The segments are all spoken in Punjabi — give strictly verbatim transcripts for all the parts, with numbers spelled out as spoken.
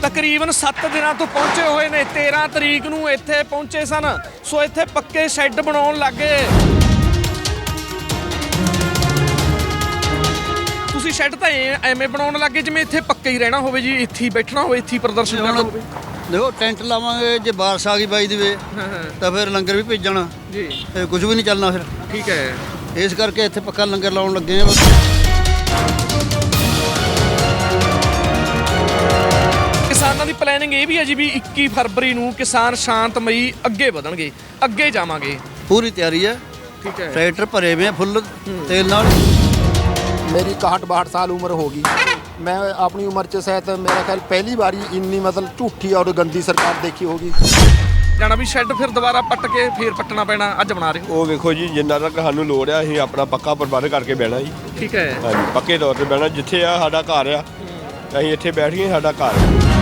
ਤਕਰੀਬਨ ਸੱਤ ਦਿਨਾਂ ਤੋਂ ਪਹੁੰਚੇ ਹੋਏ ਨੇ। ਤੇਰਾਂ ਤਰੀਕ ਨੂੰ ਇੱਥੇ ਪਹੁੰਚੇ ਸਨ, ਸੋ ਇੱਥੇ ਪੱਕੇ ਸ਼ੈੱਡ ਬਣਾਉਣ ਲੱਗੇ। ਤੁਸੀਂ ਸ਼ੈੱਡ ਤਾਂ ਐਵੇਂ ਬਣਾਉਣ ਲੱਗੇ ਜਿਵੇਂ ਇੱਥੇ ਪੱਕੇ ਹੀ ਰਹਿਣਾ ਹੋਵੇ ਜੀ, ਇੱਥੇ ਹੀ ਬੈਠਣਾ ਹੋਵੇ, ਇੱਥੇ ਹੀ ਪ੍ਰਦਰਸ਼ਨ ਕਰਨਾ ਹੋਵੇ। देखो टेंट लावांगे जे बारिश आ गई बाई दी वे तो फिर लंगर भी भेजना जी, कुछ भी नहीं चलना फिर। ठीक है, इस करके इत्थे पक्का लंगर लाउण लगे हैं। किसानां दी प्लैनिंग ये भी है जी भी इक्की फरवरी नूं किसान शांतमई अगे वधणगे, अगे जावांगे। पूरी तैयारी है, ठीक है। ट्रैक्टर भरे हुए हैं फुल तेल नाल। मेरी इकहठ बाहठ साल उम्र होगी। मैं अपनी उम्र च शायद मेरा ख्याल पहली बारी इन्नी मतलब झूठी और गंदी सरकार देखी होगी। ਜਾਣਾ ਵੀ ਸ਼ੈੱਡ ਫਿਰ ਦੁਬਾਰਾ ਪੱਟ ਕੇ ਫਿਰ ਪੱਟਣਾ ਪੈਣਾ। ਅੱਜ ਬਣਾ ਰਹੇ ਹੋ? ਉਹ ਵੇਖੋ ਜੀ, ਜਿੰਨਾ ਤੱਕ ਸਾਨੂੰ ਲੋੜ ਆ ਅਸੀਂ ਆਪਣਾ ਪੱਕਾ ਪ੍ਰਬੰਧ ਕਰਕੇ ਬਹਿਣਾ ਜੀ। ਠੀਕ ਹੈ, ਹਾਂਜੀ, ਪੱਕੇ ਤੌਰ ਤੇ ਬਹਿਣਾ। ਜਿੱਥੇ ਆ ਸਾਡਾ ਘਰ ਆ ਅਸੀਂ ਇੱਥੇ ਬੈਠ ਗਏ, ਸਾਡਾ ਘਰ।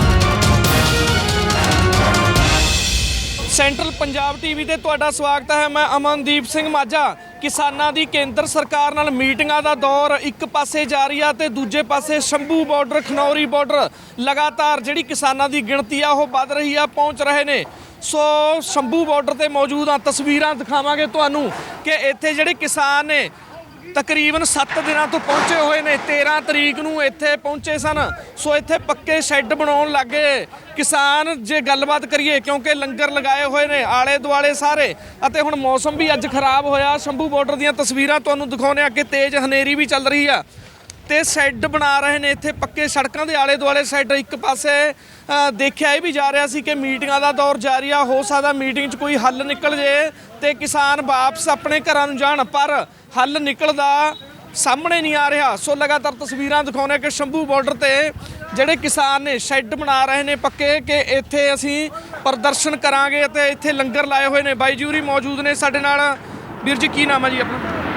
ਸੈਂਟਰਲ ਪੰਜਾਬ ਟੀਵੀ ਤੇ ਤੁਹਾਡਾ ਸਵਾਗਤ ਹੈ। ਮੈਂ ਅਮਨਦੀਪ ਸਿੰਘ ਮਾਝਾ। ਕਿਸਾਨਾਂ ਦੀ ਕੇਂਦਰ ਸਰਕਾਰ ਨਾਲ ਮੀਟਿੰਗਾਂ ਦਾ ਦੌਰ ਇੱਕ ਪਾਸੇ ਜਾਰੀ ਆ ਤੇ ਦੂਜੇ ਪਾਸੇ ਸ਼ੰਭੂ ਬਾਰਡਰ, ਖਨੌਰੀ ਬਾਰਡਰ ਲਗਾਤਾਰ ਜਿਹੜੀ ਕਿਸਾਨਾਂ ਦੀ ਗਿਣਤੀ ਆ ਉਹ ਵੱਧ ਰਹੀ ਆ, ਪਹੁੰਚ ਰਹੇ ਨੇ। ਸੋ ਸ਼ੰਭੂ ਬਾਰਡਰ ਤੇ ਮੌਜੂਦ ਆ, ਤਸਵੀਰਾਂ ਦਿਖਾਵਾਂਗੇ ਤੁਹਾਨੂੰ ਕਿ ਇੱਥੇ ਜਿਹੜੇ ਕਿਸਾਨ ਨੇ ਤਕਰੀਬਨ ਸੱਤ ਦਿਨਾਂ ਤੋਂ ਪਹੁੰਚੇ ਹੋਏ ਨੇ। ਤੇਰਾਂ ਤਰੀਕ ਨੂੰ ਇੱਥੇ ਪਹੁੰਚੇ ਸਨ, ਸੋ ਇੱਥੇ ਪੱਕੇ ਸ਼ੈੱਡ ਬਣਾਉਣ ਲੱਗੇ ਕਿਸਾਨ। ਜੇ ਗੱਲਬਾਤ ਕਰੀਏ, ਕਿਉਂਕਿ ਲੰਗਰ ਲਗਾਏ ਹੋਏ ਨੇ ਆਲੇ ਦੁਆਲੇ ਸਾਰੇ, ਅਤੇ ਹੁਣ ਮੌਸਮ ਵੀ ਅੱਜ ਖਰਾਬ ਹੋਇਆ। ਸ਼ੰਭੂ ਬਾਰਡਰ ਦੀਆਂ ਤਸਵੀਰਾਂ ਤੁਹਾਨੂੰ ਦਿਖਾਉਂਦੇ ਆ ਕਿ ਤੇਜ਼ ਹਨੇਰੀ ਵੀ ਚੱਲ ਰਹੀ ਆ ਤੇ ਸ਼ੈੱਡ ਬਣਾ ਰਹੇ ਨੇ ਇੱਥੇ ਪੱਕੇ। ਸੜਕਾਂ ਦੇ ਆਲੇ ਦੁਆਲੇ ਸ਼ੈੱਡ। ਇੱਕ ਪਾਸੇ ਦੇਖਿਆ ਇਹ ਵੀ ਜਾ ਰਿਹਾ ਸੀ ਕਿ ਮੀਟਿੰਗਾਂ ਦਾ ਦੌਰ ਜਾਰੀ ਆ, ਹੋ ਸਕਦਾ ਮੀਟਿੰਗ 'ਚ ਕੋਈ ਹੱਲ ਨਿਕਲ ਜੇ ਤੇ ਕਿਸਾਨ ਵਾਪਸ ਆਪਣੇ ਘਰਾਂ ਨੂੰ ਜਾਣ, ਪਰ ਹੱਲ ਨਿਕਲਦਾ ਸਾਹਮਣੇ ਨਹੀਂ ਆ ਰਿਹਾ। ਸੋ ਲਗਾਤਾਰ ਤਸਵੀਰਾਂ ਦਿਖਾਉਂਦੇ ਕਿ ਸ਼ੰਭੂ ਬਾਰਡਰ ਤੇ ਜਿਹੜੇ ਕਿਸਾਨ ਨੇ ਸ਼ੈੱਡ ਬਣਾ ਰਹੇ ਨੇ ਪੱਕੇ ਕਿ ਇੱਥੇ ਅਸੀਂ ਪ੍ਰਦਰਸ਼ਨ ਕਰਾਂਗੇ ਅਤੇ ਇੱਥੇ ਲੰਗਰ ਲਾਏ ਹੋਏ ਨੇ। ਬਾਈ ਜੀ ਹੋਰੀ ਮੌਜੂਦ ਨੇ ਸਾਡੇ ਨਾਲ। ਵੀਰ ਜੀ ਕੀ ਨਾਮ ਹੈ ਜੀ ਆਪਣਾ?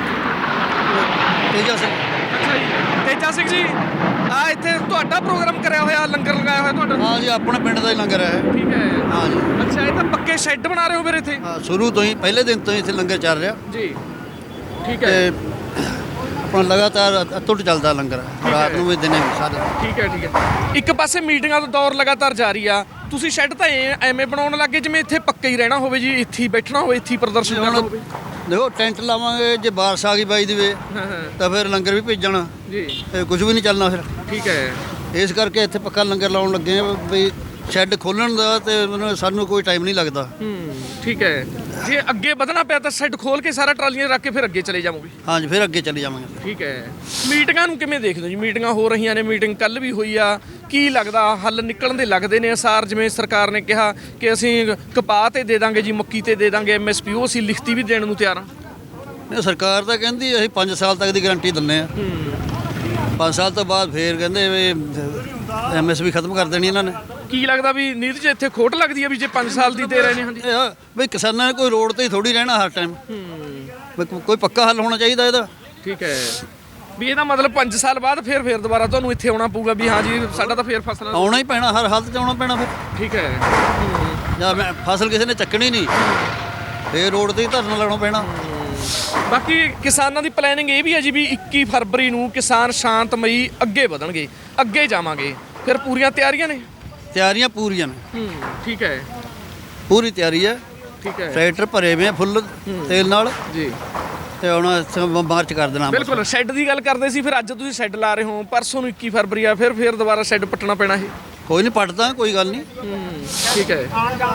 तेजा सिंह। ਅੱਛਾ ਜੀ, ਤੇਜਾ ਸਿੰਘ ਜੀ। ਆ ਇੱਥੇ ਤੁਹਾਡਾ ਪ੍ਰੋਗਰਾਮ ਕਰਿਆ ਹੋਇਆ, ਲੰਗਰ ਲਗਾਇਆ ਹੋਇਆ ਤੁਹਾਡਾ? हाँ जी, अपने पिंड का ही लंगर है। ਠੀਕ ਹੈ। हाँ जी, ਅੱਛਾ, ਇਹ ਤਾਂ ਪੱਕੇ ਸ਼ੈੱਡ ਬਣਾ ਰਹੇ ਹੋ ਫਿਰ ਇੱਥੇ? हाँ शुरू तो ही पहले दिन तो ही इत्थे लंगर चल रहा ਜੀ, ਠੀਕ ते ਹੈ, अपना लगातार अतुट चलता लंगर, रात ਨੂੰ भी दिने भी सारे। ਠੀਕ ਹੈ, ਠੀਕ ਹੈ। ਇੱਕ ਪਾਸੇ ਮੀਟਿੰਗਾਂ ਦਾ ਦੌਰ ਲਗਾਤਾਰ ਜਾਰੀ ਆ, ਤੁਸੀਂ ਸ਼ੈੱਡ ਤਾਂ ਐਵੇਂ ਬਣਾਉਣ ਲੱਗੇ ਜਿਵੇਂ ਇੱਥੇ ਪੱਕੇ ਹੀ ਰਹਿਣਾ ਹੋਵੇ ਜੀ, ਇੱਥੇ ਹੀ ਬੈਠਣਾ ਹੋਵੇ, ਇੱਥੇ ਹੀ ਪ੍ਰਦਰਸ਼ਨ ਕਰਨਾ ਹੋਵੇ। देखो टेंट लावांगे जे बारिश आ गई बाई दी वे ਹਾਂ ਹਾਂ तो फिर लंगर भी भेजना ਜੀ, कुछ भी नहीं चलना फिर। ਠੀਕ ਹੈ, ਇਸ ਕਰਕੇ ਇੱਥੇ ਪੱਕਾ ਲੰਗਰ ਲਾਉਣ ਲੱਗੇ ਆ ਵੀ ਸ਼ੈੱਡ ਖੋਲਣ ਦਾ ਤੇ ਮੈਨੂੰ ਸਾਨੂੰ ਕੋਈ ਟਾਈਮ ਨਹੀਂ ਲੱਗਦਾ। ਹੂੰ, ਠੀਕ ਹੈ। ਜੇ ਅੱਗੇ ਵਧਣਾ ਪਿਆ ਤਾਂ ਸ਼ੈੱਡ ਖੋਲ ਕੇ ਸਾਰਾ ਟਰਾਲੀਆਂ ਰੱਖ ਕੇ ਫਿਰ ਅੱਗੇ ਚਲੇ ਜਾਵਾਂਗੇ। ਹਾਂਜੀ, ਫਿਰ ਅੱਗੇ ਚੱਲੇ ਜਾਵਾਂਗੇ। ਠੀਕ ਹੈ। ਮੀਟਿੰਗਾਂ ਨੂੰ ਕਿਵੇਂ ਦੇਖਦੇ ਹੋ ਜੀ? ਮੀਟਿੰਗਾਂ ਹੋ ਰਹੀਆਂ ਨੇ, ਮੀਟਿੰਗ ਕੱਲ ਵੀ ਹੋਈ ਆ, ਕੀ ਲੱਗਦਾ ਹੱਲ ਨਿਕਲਣ ਦੇ ਲੱਗਦੇ ਨੇ ਅਸਾਰ? ਜਿਵੇਂ ਸਰਕਾਰ ਨੇ ਕਿਹਾ ਕਿ ਅਸੀਂ ਕਪਾਹ ਤੇ ਦੇ ਦਾਂਗੇ ਜੀ, ਮੱਕੀ ਤੇ ਦੇ ਦਾਂਗੇ ਐਮ ਐਸ ਪੀ, ਉਹ ਅਸੀਂ ਲਿਖਤੀ ਵੀ ਦੇਣ ਨੂੰ ਤਿਆਰ ਹਾਂ। ਨਹੀਂ, ਸਰਕਾਰ ਤਾਂ ਕਹਿੰਦੀ ਅਸੀਂ ਪੰਜ ਸਾਲ ਤੱਕ ਦੀ ਗਾਰੰਟੀ ਦਿੰਦੇ ਆ। ਪੰਜ ਸਾਲ ਤੋਂ ਬਾਅਦ ਫੇਰ ਕਹਿੰਦੇ ਵੀ ਐਮ ਐਸ ਪੀ ਖਤਮ ਕਰ ਦੇਣੀ ਇਹਨਾਂ ਨੇ। ਕੀ ਲੱਗਦਾ ਵੀ ਨੀਤ 'ਚ ਇੱਥੇ ਖੋਟ ਲੱਗਦੀ ਹੈ ਵੀ ਜੇ ਪੰਜ ਸਾਲ ਦੀ ਦੇ ਰਹੇ ਨੇ? ਹਾਂਜੀ, ਇਹ ਆ ਵੀ ਕਿਸਾਨਾਂ ਨੇ ਕੋਈ ਰੋਡ ਤੇ ਹੀ ਥੋੜੀ ਰਹਿਣਾ ਹਰ ਟਾਈਮ, ਕੋਈ ਪੱਕਾ ਹੱਲ ਹੋਣਾ ਚਾਹੀਦਾ ਇਹਦਾ। ਠੀਕ ਹੈ, ਵੀ ਇਹਦਾ ਮਤਲਬ ਪੰਜ ਸਾਲ ਬਾਅਦ ਫਿਰ ਫਿਰ ਦੁਬਾਰਾ ਤੁਹਾਨੂੰ ਇੱਥੇ ਆਉਣਾ ਪਊਗਾ ਵੀ ਹਾਂ ਜੀ ਸਾਡਾ ਤਾਂ ਫਿਰ ਫਸਲ ਆਉਣਾ ਹੀ ਪੈਣਾ, ਹਰ ਹਾਲਤ 'ਚ ਆਉਣਾ ਪੈਣਾ ਫਿਰ। ਠੀਕ ਹੈ। ਜਾਂ ਮੈਂ ਫਸਲ ਕਿਸੇ ਨੇ ਚੱਕਣੀ ਨਹੀਂ, ਫੇਰ ਰੋਡ ਤੇ ਹੀ ਧਰਨਾ ਲਾਉਣਾ ਪੈਣਾ। ਬਾਕੀ ਕਿਸਾਨਾਂ ਦੀ ਪਲੈਨਿੰਗ ਇਹ ਵੀ ਹੈ ਜੀ ਵੀ ਇੱਕੀ ਫਰਵਰੀ ਨੂੰ ਕਿਸਾਨ ਸ਼ਾਂਤਮਈ ਅੱਗੇ ਵਧਣਗੇ, ਅੱਗੇ ਜਾਵਾਂਗੇ। ਫਿਰ ਪੂਰੀਆਂ ਤਿਆਰੀਆਂ ਨੇ? ਤਿਆਰੀਆਂ ਪੂਰੀਆਂ ਨੇ। ਹੂੰ, ਠੀਕ ਹੈ, ਪੂਰੀ ਤਿਆਰੀ ਹੈ, ਠੀਕ ਹੈ ਟਰੈਕਟਰ ਭਰੇ ਹੋਏ ਆ ਫੁੱਲ ਤੇਲ ਨਾਲ ਜੀ। ਤੇ ਹੁਣ ਇੱਥੇ ਮਾਰਚ ਕਰ ਦੇਣਾ। ਬਿਲਕੁਲ, ਸ਼ੈੱਡ ਦੀ ਗੱਲ ਕਰਦੇ ਸੀ, ਫਿਰ ਅੱਜ ਤੁਸੀਂ ਸ਼ੈੱਡ ਲਾ ਰਹੇ ਹੋ, ਪਰਸੋਂ ਨੂੰ ਇੱਕੀ ਫਰਵਰੀ ਆ, ਫਿਰ ਫਿਰ ਦੁਬਾਰਾ ਸ਼ੈੱਡ ਪੱਟਣਾ ਪੈਣਾ ਇਹ? ਕੋਈ ਨਹੀਂ ਪੱਟਦਾ, ਕੋਈ ਗੱਲ ਨਹੀਂ। ਠੀਕ ਹੈ,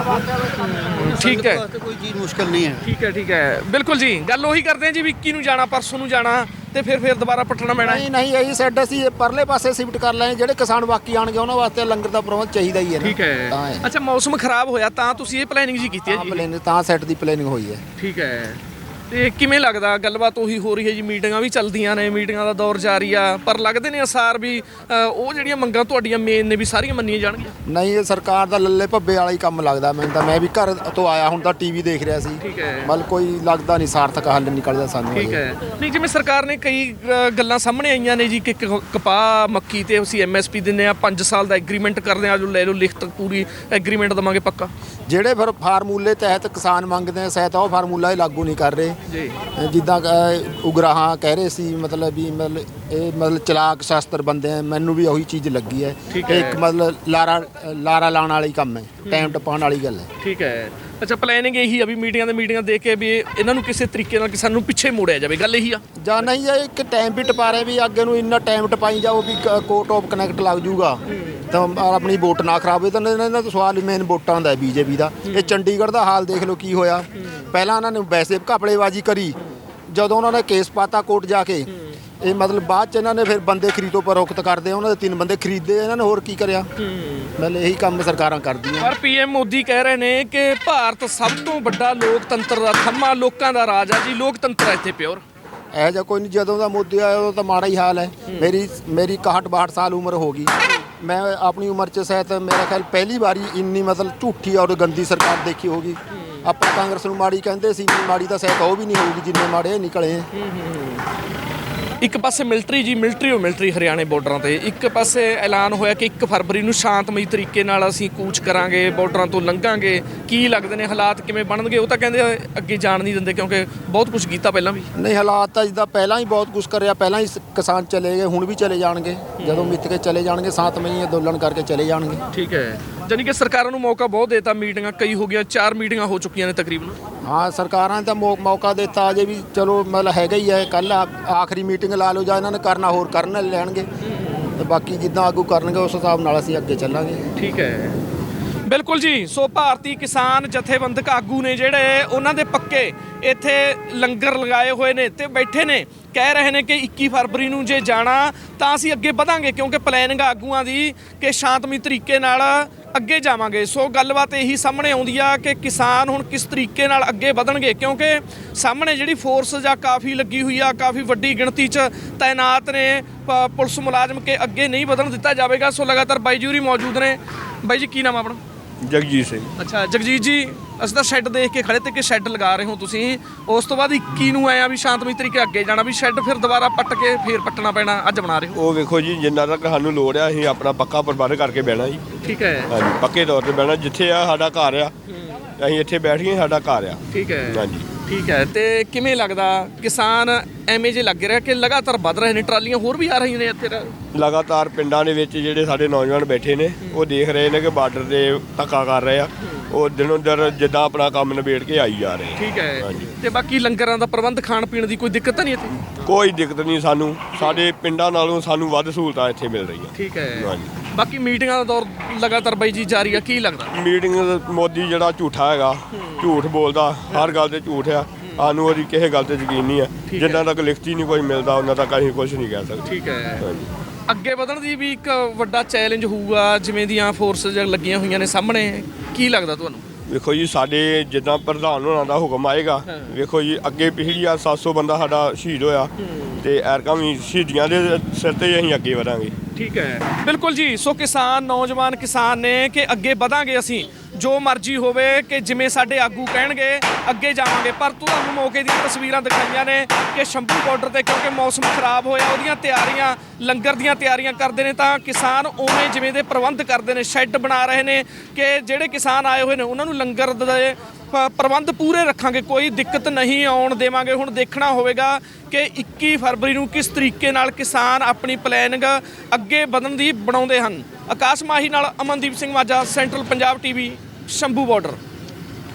ਠੀਕ ਹੈ, ਕੋਈ ਚੀਜ਼ ਮੁਸ਼ਕਲ ਨਹੀਂ ਹੈ। ਠੀਕ ਹੈ, ਠੀਕ ਹੈ। ਬਿਲਕੁਲ ਜੀ, ਗੱਲ ਉਹੀ ਕਰਦੇ ਹਾਂ ਜੀ ਵੀ ਇੱਕੀ ਨੂੰ ਜਾਣਾ, ਪਰਸੋਂ ਨੂੰ ਜਾਣਾ ਤੇ ਫਿਰ ਫਿਰ ਦੁਬਾਰਾ ਪੱਟਣਾ ਪੈਣਾ। ਨਹੀਂ ਨਹੀਂ, ਇਹੀ ਸ਼ੈੱਡ ਅਸੀਂ ਪਰਲੇ ਪਾਸੇ ਸ਼ਿਫਟ ਕਰ ਲਏ। ਜਿਹੜੇ ਕਿਸਾਨ ਬਾਕੀ ਆਣਗੇ ਉਹਨਾਂ ਵਾਸਤੇ ਲੰਗਰ ਦਾ ਪ੍ਰਬੰਧ ਚਾਹੀਦਾ ਹੀ ਹੈ ਨਾ। ਠੀਕ ਹੈ। ਤਾਂ ਹੈ। ਅੱਛਾ, ਮੌਸਮ ਖਰਾਬ ਹੋਇਆ ਤਾਂ ਤੁਸੀਂ ਇਹ ਪਲੈਨਿੰਗ ਜੀ ਕੀਤੀ ਹੈ ਜੀ? ਪਲੈਨਿੰਗ ਤਾਂ ਸੈੱਟ ਦੀ ਪਲੈਨਿੰਗ ਹੋਈ ਹੈ। ਠੀਕ ਹੈ। ਤੇ ਕਿਵੇਂ ਲੱਗਦਾ? ਗੱਲਬਾਤ ਉਹੀ ਹੋ ਰਹੀ ਹੈ ਜੀ, ਮੀਟਿੰਗਾਂ ਵੀ ਚੱਲਦੀਆਂ ਨੇ, ਮੀਟਿੰਗਾਂ ਦਾ ਦੌਰ ਜਾਰੀ ਆ, ਪਰ ਲੱਗਦੇ ਨੇ ਅਸਾਰ ਵੀ ਉਹ ਜਿਹੜੀਆਂ ਮੰਗਾਂ ਤੁਹਾਡੀਆਂ ਮੇਨ ਨੇ ਵੀ ਸਾਰੀਆਂ ਮੰਨੀਆਂ ਜਾਣਗੀਆਂ? ਨਹੀਂ, ਇਹ ਸਰਕਾਰ ਦਾ ਲੱਲੇ ਭੱਬੇ ਵਾਲਾ ਹੀ ਕੰਮ ਲੱਗਦਾ ਮੈਨੂੰ ਤਾਂ। ਮੈਂ ਵੀ ਘਰ ਤੋਂ ਆਇਆ ਹੁਣ ਤਾਂ ਟੀਵੀ ਦੇਖ ਰਿਹਾ ਸੀ। ਠੀਕ ਹੈ। ਮਤਲਬ ਕੋਈ ਲੱਗਦਾ ਨਹੀਂ ਸਾਰਥਕ ਹੱਲ ਨਿਕਲਦਾ ਸਾਨੂੰ। ਠੀਕ ਹੈ। ਨਹੀਂ, ਜਿਵੇਂ ਸਰਕਾਰ ਨੇ ਕਈ ਅ, ਗੱਲਾਂ ਸਾਹਮਣੇ ਆਈਆਂ ਨੇ ਜੀ ਕਿ ਕ- ਕਪਾਹ ਮੱਕੀ ਤੇ ਅਸੀਂ ਐਮ ਐਸ ਪੀ ਦਿੰਦੇ ਆ, ਪੰਜ ਸਾਲ ਦਾ ਐਗਰੀਮੈਂਟ ਕਰਦੇ ਆ, ਜੋ ਲੈ ਲਓ ਲਿਖਤ ਪੂਰੀ ਐਗਰੀਮੈਂਟ ਦੇਵਾਂਗੇ ਪੱਕਾ। ਜਿਹੜੇ ਫਿਰ ਫਾਰਮੂਲੇ ਤਹਿਤ ਕਿਸਾਨ ਮੰਗਦੇ ਆ ਸਹਾਇਤਾ, ਉਹ ਫਾਰਮੂਲਾ ਹੀ ਲਾਗੂ ਨਹੀਂ ਕਰ ਰਹੇ। ਜੀ ਅ, ਜਿੱਦਾਂ ਅ, ਉਗਰਾਹਾਂ ਕਹਿ ਰਹੇ ਸੀ ਮਤਲਬ ਵੀ ਮਤਲਬ ਇਹ ਮਤਲਬ ਚਲਾਕ ਸ਼ਾਸਤਰ ਬੰਦੇ ਆ, ਮੈਨੂੰ ਵੀ ਉਹੀ ਚੀਜ਼ ਲੱਗੀ ਹੈ ਠੀਕ ਇਹ ਹੈ। ਇੱਕ ਮਤਲਬ ਲਾਰਾ ਲਾਰਾ ਲਾਉਣ ਵਾਲੀ ਕੰਮ ਹੈ, ਟਾਈਮ ਟਪਾਉਣ ਵਾਲੀ ਗੱਲ ਹੈ। ਠੀਕ ਹੈ। ਅੱਛਾ, ਪਲੈਨਿੰਗ ਇਹੀ ਆ ਵੀ ਮੀਟਿੰਗਾਂ ਦੇ ਮੀਟਿੰਗਾਂ ਦੇ ਕੇ ਵੀ ਇਹਨਾਂ ਨੂੰ ਕਿਸੇ ਤਰੀਕੇ ਨਾਲ ਕਿਸਾਨ ਨੂੰ ਪਿੱਛੇ ਮੋੜਿਆ ਜਾਵੇ, ਗੱਲ ਇਹੀ ਆ। ਜਾਂ ਨਹੀਂ ਇਹ ਇੱਕ ਟਾਈਮ ਵੀ ਟਪਾ ਰਹੇ ਵੀ ਅੱਗੇ ਨੂੰ ਇੰਨਾ ਟਾਈਮ ਟਪਾਈ ਜਾਓ ਵੀ ਕੋਰਟ ਆਫ ਕਨੈਕਟ ਲੱਗ ਜੂਗਾ ਤਾਂ ਆਪਣੀ ਵੋਟ ਨਾ ਖਰਾਬ ਹੋਏ। ਤਾਂ ਇਹਨਾਂ ਦਾ ਸਵਾਲ ਮੇਨ ਵੋਟਾਂ ਦਾ ਬੀਜੇਪੀ ਦਾ। ਇਹ ਚੰਡੀਗੜ੍ਹ ਦਾ ਹਾਲ ਦੇਖ ਲਓ ਕੀ ਹੋਇਆ। ਪਹਿਲਾਂ ਇਹਨਾਂ ਨੇ ਵੈਸੇ ਘਪਲੇਬਾਜ਼ੀ ਕਰੀ, ਜਦੋਂ ਉਹਨਾਂ ਨੇ ਕੇਸ ਪਾਤਾ ਕੋਰਟ ਜਾ ਕੇ, ਇਹ ਮਤਲਬ ਬਾਅਦ ਚ ਇਹਨਾਂ ਨੇ ਫਿਰ ਬੰਦੇ ਖਰੀਦੋ ਪਰੋਖਤ ਕਰਦੇ, ਉਹਨਾਂ ਦੇ ਤਿੰਨ ਬੰਦੇ ਖਰੀਦੇ, ਇਹਨਾਂ ਨੇ ਹੋਰ ਕੀ ਕਰਿਆ। ਮਤਲਬ ਇਹੀ ਕੰਮ ਸਰਕਾਰਾਂ ਕਰਦੀਆਂ। ਪਰ ਪੀਐਮ ਮੋਦੀ ਕਹਿ ਰਹੇ ਨੇ ਕਿ ਭਾਰਤ ਸਭ ਤੋਂ ਵੱਡਾ ਲੋਕਤੰਤਰ ਦਾ ਥੰਮਾ, ਲੋਕਾਂ ਦਾ ਰਾਜ ਆ ਜੀ, ਲੋਕਤੰਤਰ ਹੈ ਇੱਥੇ ਪਿਓਰ। ਇਹੋ ਜਿਹਾ ਕੋਈ ਨਹੀਂ, ਜਦੋਂ ਦਾ ਮੋਦੀ ਆਇਆ ਉਦੋਂ ਤਾਂ ਮਾੜਾ ਹੀ ਹਾਲ ਹੈ। ਮੇਰੀ ਮੇਰੀ ਇਕਾਹਠ ਬਾਹਠ ਸਾਲ ਉਮਰ ਹੋ ਗਈ। ਮੈਂ ਆਪਣੀ ਉਮਰ 'ਚ ਸ਼ਾਇਦ ਮੇਰਾ ਖਿਆਲ ਪਹਿਲੀ ਵਾਰੀ ਇੰਨੀ ਮਤਲਬ ਝੂਠੀ ਔਰ ਗੰਦੀ ਸਰਕਾਰ ਦੇਖੀ ਹੋਗੀ। ਆਪਾਂ ਕਾਂਗਰਸ ਨੂੰ ਮਾੜੀ ਕਹਿੰਦੇ ਸੀ, ਇੰਨੀ ਮਾੜੀ ਤਾਂ ਸ਼ਾਇਦ ਉਹ ਵੀ ਨਹੀਂ ਹੋਊਗੀ ਜਿੰਨੇ ਮਾੜੇ ਨਿਕਲੇ ਹੈ। ਇੱਕ ਪਾਸੇ ਮਿਲਟਰੀ ਜੀ, ਮਿਲਟਰੀ ਉਹ ਮਿਲਟਰੀ ਹਰਿਆਣੇ ਬਾਰਡਰਾਂ ਤੇ, ਇੱਕ ਪਾਸੇ ਐਲਾਨ ਹੋਇਆ ਕਿ ਇੱਕ ਫਰਵਰੀ ਨੂੰ ਸ਼ਾਂਤਮਈ ਤਰੀਕੇ ਨਾਲ ਅਸੀਂ ਕੂਚ ਕਰਾਂਗੇ, ਬਾਰਡਰਾਂ ਤੋਂ ਲੰਘਾਂਗੇ। ਕੀ ਲੱਗਦੇ ਨੇ ਹਾਲਾਤ ਕਿਵੇਂ ਬਣਨਗੇ? ਉਹ ਤਾਂ ਕਹਿੰਦੇ ਅੱਗੇ ਜਾਣ ਨਹੀਂ ਦਿੰਦੇ ਕਿਉਂਕਿ ਬਹੁਤ ਕੁਝ ਕੀਤਾ ਪਹਿਲਾਂ ਵੀ। ਨਹੀਂ, ਹਾਲਾਤ ਤਾਂ ਜਿੱਦਾਂ ਪਹਿਲਾਂ ਹੀ ਬਹੁਤ ਕੁਝ ਕਰਿਆ, ਪਹਿਲਾਂ ਹੀ ਕਿਸਾਨ ਚਲੇ ਗਏ, ਹੁਣ ਵੀ ਚਲੇ ਜਾਣਗੇ। ਜਦੋਂ ਮਿੱਥ ਕੇ ਚਲੇ ਜਾਣਗੇ, ਸ਼ਾਂਤਮਈ ਅੰਦੋਲਨ ਕਰਕੇ ਚਲੇ ਜਾਣਗੇ। ਠੀਕ ਹੈ, ਜਾਨੀ ਕਿ ਸਰਕਾਰਾਂ ਨੂੰ ਮੌਕਾ ਬਹੁਤ ਦੇਤਾ, ਮੀਟਿੰਗਾਂ ਕਈ ਹੋ ਗਈਆਂ, ਚਾਰ ਮੀਟਿੰਗਾਂ ਹੋ ਚੁੱਕੀਆਂ ਨੇ ਤਕਰੀਬਨ। ਹਾਂ, ਸਰਕਾਰਾਂ ਨੇ ਤਾਂ ਮੌ- ਮੌਕਾ ਦਿੱਤਾ ਅਜੇ ਵੀ, ਚਲੋ ਮਤਲਬ ਹੈਗਾ ਹੀ ਹੈ। ਕੱਲ ਆਖਰੀ ਮੀਟਿੰਗ ਲਾ ਲਓ, ਜਾਂ ਇਹਨਾਂ ਨੇ ਕਰਨਾ ਹੋਰ ਕਰਨ ਲੈਣਗੇ, ਤੇ ਬਾਕੀ ਜਿੱਦਾਂ ਆਗੂ ਕਰਨਗੇ ਉਸ ਹਿਸਾਬ ਨਾਲ ਅਸੀਂ ਅੱਗੇ ਚੱਲਾਂਗੇ। ਠੀਕ ਹੈ, ਬਿਲਕੁਲ ਜੀ। ਸੋ ਭਾਰਤੀ ਕਿਸਾਨ ਜਥੇਬੰਦਕ ਆਗੂ ਨੇ ਜਿਹੜੇ, ਉਹਨਾਂ ਦੇ ਪੱਕੇ ਇੱਥੇ ਲੰਗਰ ਲਗਾਏ ਹੋਏ ਨੇ ਤੇ ਬੈਠੇ ਨੇ, ਕਹਿ ਰਹੇ ਨੇ ਕਿ ਇੱਕੀ ਫਰਵਰੀ ਨੂੰ ਜੇ ਜਾਣਾ ਤਾਂ ਅਸੀਂ ਅੱਗੇ ਵਧਾਂਗੇ, ਕਿਉਂਕਿ ਪਲੈਨਿੰਗ ਆਗੂਆਂ ਦੀ ਕਿ ਸ਼ਾਂਤਮਈ ਤਰੀਕੇ ਨਾਲ ਅੱਗੇ ਜਾਵਾਂਗੇ। ਸੋ ਗੱਲਬਾਤ ਇਹੀ ਸਾਹਮਣੇ ਆਉਂਦੀ ਆ ਕਿ ਕਿਸਾਨ ਹੁਣ ਕਿਸ ਤਰੀਕੇ ਨਾਲ ਅੱਗੇ ਵਧਣਗੇ, ਕਿਉਂਕਿ ਸਾਹਮਣੇ ਜਿਹੜੀ ਫੋਰਸ ਜਾਂ ਕਾਫੀ ਲੱਗੀ ਹੋਈ ਆ, ਕਾਫੀ ਵੱਡੀ ਗਿਣਤੀ 'ਚ ਤਾਇਨਾਤ ਨੇ ਪ- ਪੁਲਿਸ ਮੁਲਾਜ਼ਮ, ਕੇ ਅੱਗੇ ਨਹੀਂ ਵਧਣ ਦਿੱਤਾ ਜਾਵੇਗਾ। ਸੋ ਲਗਾਤਾਰ ਬਾਈ ਜੀ ਹੋਰੀ ਮੌਜੂਦ ਨੇ। ਬਾਈ ਜੀ, ਕੀ ਨਾਮ ਆਪਣਾ? ਜਗਜੀਤ ਸਿੰਘ। ਅੱਛਾ ਜਗਜੀਤ ਜੀ, ਅਸੀਂ ਤਾਂ ਸ਼ੈੱਡ ਦੇਖ ਕੇ ਖੜੇ ਤੇ ਕਿ ਸ਼ੈੱਡ ਲਗਾ ਰਹੇ ਹੋ ਤੁਸੀਂ, ਉਸ ਤੋਂ ਬਾਅਦ ਇੱਕੀ ਨੂੰ ਆਇਆ ਵੀ ਸ਼ਾਂਤਮਈ ਤਰੀਕੇ ਅੱਗੇ ਜਾਣਾ, ਵੀ ਸ਼ੈੱਡ ਫਿਰ ਦੁਬਾਰਾ ਪੱਟ ਕੇ ਫੇਰ ਪੱਟਣਾ ਪੈਣਾ, ਅੱਜ ਬਣਾ ਰਹੇ ਹੋ। ਉਹ ਵੇਖੋ ਜੀ, ਜਿੰਨਾ ਤੱਕ ਸਾਨੂੰ ਲੋੜ ਆ ਅਸੀਂ ਆਪਣਾ ਪੱਕਾ ਪ੍ਰਬੰਧ ਕਰਕੇ ਬਹਿਣਾ ਜੀ। ਠੀਕ ਹੈ। ਹਾਂਜੀ, ਪੱਕੇ ਤੌਰ ਤੇ ਬਹਿਣਾ। ਜਿੱਥੇ ਆ ਸਾਡਾ ਘਰ ਆ, ਅਸੀਂ ਇੱਥੇ ਬੈਠ ਗਏ, ਸਾਡਾ ਘਰ ਆ। ਠੀਕ ਹੈ। ਹਾਂਜੀ। ਠੀਕ ਹੈ, ਤੇ ਕਿਵੇਂ ਲੱਗਦਾ ਕਿਸਾਨ ਐਵੇਂ ਜੇ ਲੱਗ ਰਿਹਾ ਕਿ ਲਗਾਤਾਰ ਵੱਧ ਰਹੇ ਨੇ, ਟਰਾਲੀਆਂ ਹੋਰ ਵੀ ਆ ਰਹੀਆਂ ਨੇ ਇੱਥੇ? ਲਗਾਤਾਰ ਪਿੰਡਾਂ ਦੇ ਵਿੱਚ ਜਿਹੜੇ ਸਾਡੇ ਨੌਜਵਾਨ ਬੈਠੇ ਨੇ, ਉਹ ਦੇਖ ਰਹੇ ਨੇ ਕਿ ਬਾਰਡਰ ਤੇ ਧੱਕਾ ਕਰ ਰਹੇ ਆ, ਉਹ ਦਿਨੋਂ ਦਿਨ ਜਿੱਦਾਂ ਆਪਣਾ ਕੰਮ ਨਿਬੇੜ ਕੇ ਆਈ ਜਾ ਰਹੇ। ਠੀਕ ਹੈ। ਹਾਂਜੀ। ਤੇ ਬਾਕੀ ਲੰਗਰਾਂ ਦਾ ਪ੍ਰਬੰਧ, ਖਾਣ ਪੀਣ ਦੀ ਕੋਈ ਦਿੱਕਤ ਤਾਂ ਨਹੀਂ ਇੱਥੇ? ਕੋਈ ਦਿੱਕਤ ਨਹੀਂ ਸਾਨੂੰ, ਸਾਡੇ ਪਿੰਡਾਂ ਨਾਲੋਂ ਸਾਨੂੰ ਵੱਧ ਸਹੂਲਤਾਂ ਇੱਥੇ ਮਿਲ ਰਹੀਆਂ। ਠੀਕ ਹੈ। ਹਾਂਜੀ। ਬਾਕੀ ਮੀਟਿੰਗਾਂ ਦਾ ਦੌਰ ਲਗਾਤਾਰ ਬਾਈ ਜੀ ਜਾਰੀ ਆ, ਕੀ ਲੱਗਦਾ? ਮੀਟਿੰਗ ਮੋਦੀ ਜਿਹੜਾ ਝੂਠਾ ਹੈਗਾ, ਝੂਠ ਬੋਲਦਾ, ਹਰ ਗੱਲ ਤੇ ਝੂਠ ਆ। ਸਾਨੂੰ ਉਹਦੀ ਕਿਸੇ ਗੱਲ ਤੇ ਯਕੀਨ ਨਹੀਂ ਹੈ। ਜਿੰਨਾ ਤੱਕ ਲਿਖਤੀ ਨਹੀਂ ਕੋਈ ਮਿਲਦਾ, ਉਹਨਾਂ ਤੱਕ ਅਸੀਂ ਕੁਝ ਨਹੀਂ ਕਹਿ ਸਕਦੇ। ਠੀਕ ਹੈ। ਹਾਂਜੀ। ਅੱਗੇ ਵਧਣ ਦੀ ਵੀ ਇੱਕ ਵੱਡਾ ਚੈਲੰਜ ਹੋਊਗਾ, ਜਿਵੇਂ ਦੀਆਂ ਫੋਰਸਸ ਲੱਗੀਆਂ ਹੋਈਆਂ ਨੇ ਸਾਹਮਣੇ, ਕੀ ਲੱਗਦਾ ਤੁਹਾਨੂੰ? ਵੇਖੋ ਜੀ, ਸਾਡੇ ਜਿੱਦਾਂ ਪ੍ਰਧਾਨ ਹੋਣਾ ਦਾ ਹੁਕਮ ਆਏਗਾ, ਵੇਖੋ ਜੀ ਅੱਗੇ ਪਿਛਲੀ ਵਾਰ ਸੱਤ ਸੌ ਬੰਦਾ ਸਾਡਾ ਸ਼ਹੀਦ ਹੋਇਆ, ਤੇ ਐਰਕਾਂ ਵੀ ਸ਼ਹੀਦੀਆਂ ਦੇ ਸਿਰ ਤੇ ਹੀ ਅਸੀਂ ਅੱਗੇ ਵਧਾਂਗੇ। ਠੀਕ ਹੈ, ਬਿਲਕੁਲ ਜੀ। ਸੋ ਕਿਸਾਨ, ਨੌਜਵਾਨ ਕਿਸਾਨ ਨੇ ਕਿ ਅੱਗੇ ਵਧਾਂਗੇ ਅਸੀਂ, ਜੋ ਮਰਜ਼ੀ ਹੋਵੇ, ਕਿ ਜਿਵੇਂ ਸਾਡੇ ਆਗੂ ਕਹਿਣਗੇ ਅੱਗੇ ਜਾਵਾਂਗੇ। ਪਰ ਤੁਹਾਨੂੰ ਮੌਕੇ ਦੀਆਂ ਤਸਵੀਰਾਂ ਦਿਖਾਈਆਂ ਨੇ ਕਿ ਸ਼ੰਭੂ ਬਾਰਡਰ ਤੇ, ਕਿਉਂਕਿ ਮੌਸਮ ਖਰਾਬ ਹੋਇਆ, ਉਹਦੀਆਂ ਤਿਆਰੀਆਂ, ਲੰਗਰ ਦੀਆਂ ਤਿਆਰੀਆਂ ਕਰਦੇ ਨੇ, ਤਾਂ ਕਿਸਾਨ ਉਵੇਂ ਜਿਵੇਂ ਦੇ ਪ੍ਰਬੰਧ ਕਰਦੇ ਨੇ, ਸ਼ੈੱਡ ਬਣਾ ਰਹੇ ਨੇ ਕਿ ਜਿਹੜੇ ਕਿਸਾਨ ਆਏ ਹੋਏ ਨੇ ਉਹਨਾਂ ਨੂੰ ਲੰਗਰ ਦੇ ਪ- ਪ੍ਰਬੰਧ ਪੂਰੇ ਰੱਖਾਂਗੇ, ਕੋਈ ਦਿੱਕਤ ਨਹੀਂ ਆਉਣ ਦੇਵਾਂਗੇ। ਹੁਣ ਦੇਖਣਾ ਹੋਵੇਗਾ ਕਿ ਇੱਕੀ ਫਰਵਰੀ ਨੂੰ ਕਿਸ ਤਰੀਕੇ ਨਾਲ ਕਿਸਾਨ ਆਪਣੀ ਪਲੈਨਿੰਗ ਅੱਗੇ ਵਧਣ ਦੀ ਬਣਾਉਂਦੇ ਹਨ। ਆਕਾਸ਼ ਮਾਹੀ ਨਾਲ Amandeep Singh Majha, central Punjab TV, Shambhu border.